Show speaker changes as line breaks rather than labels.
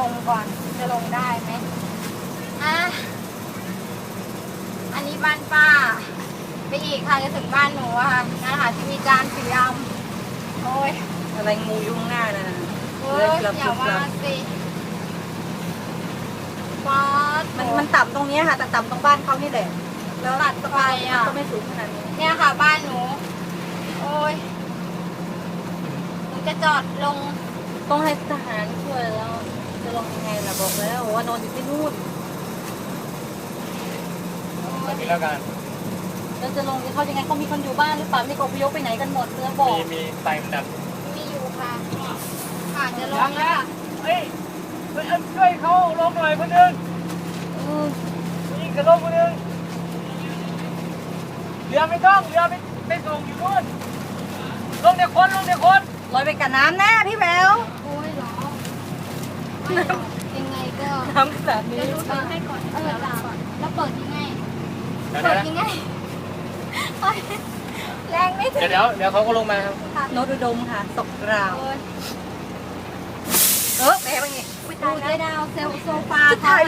ลงก่อนจะลงได้ไหมอ่ะอันนี้บ้านป้าไปอีกค่ะจะถึงบ้านหนูอะค่ะนั่นค่ะที่มีจานสีดำโอ้ย
อะไรงูยุ่งหน้าน่ะ
เฮ้ยอย่าว่าสิป๊าด
มันต่ำตรงนี้ค่ะแต่ต่ำตรงบ้านเขานี่แหละแล้ว
ตัดไปอ่ะ
ก็ไม่สูงขนาดนี้
เนี่ยค่ะบ้านหนูโอ้ยหนูจะจอดลง
ต้องให้ทหารช่วยแล้วจะลงยังไงล่ะบอกแล้วว่านอนอยู่ที่นู่น
แบบนี้แล้วกัน
แล้วจะลงเขายังไงเขามีคนอยู่บ้านหรือเปล่านี่ก็อพยพไปไหนกันหมดเรือบอก
มีไฟมันดับ
มีอยู่ค่ะค่ะจะลงแล้วค่ะ
เฮ้ยช่วยเขาลงหน่อยคนนึงนี่กระลงคนนึงเรือไม่ต้องเรือไปส่งอยู่นู่นลงเดี๋ยวคนล
ลอยไปกับน้ำแน่พี่แวว
โอ้ยเหรอไม่หรอกยังไงก็
น้ำแบบนี้
จะรู้ตัวให้ก่อนแล้วเปิดยังไง
เดี๋ยว
เปิดยังไงโอ๊ยแรงไม่ถึง
เดี๋ยวเขาก็ลงมาครับ
ค่ะ
โนตอุดมค่ะตกกราว
โอ้ย
แม่เป็นไง
ดูเจดาวเซลโซฟาค่ะ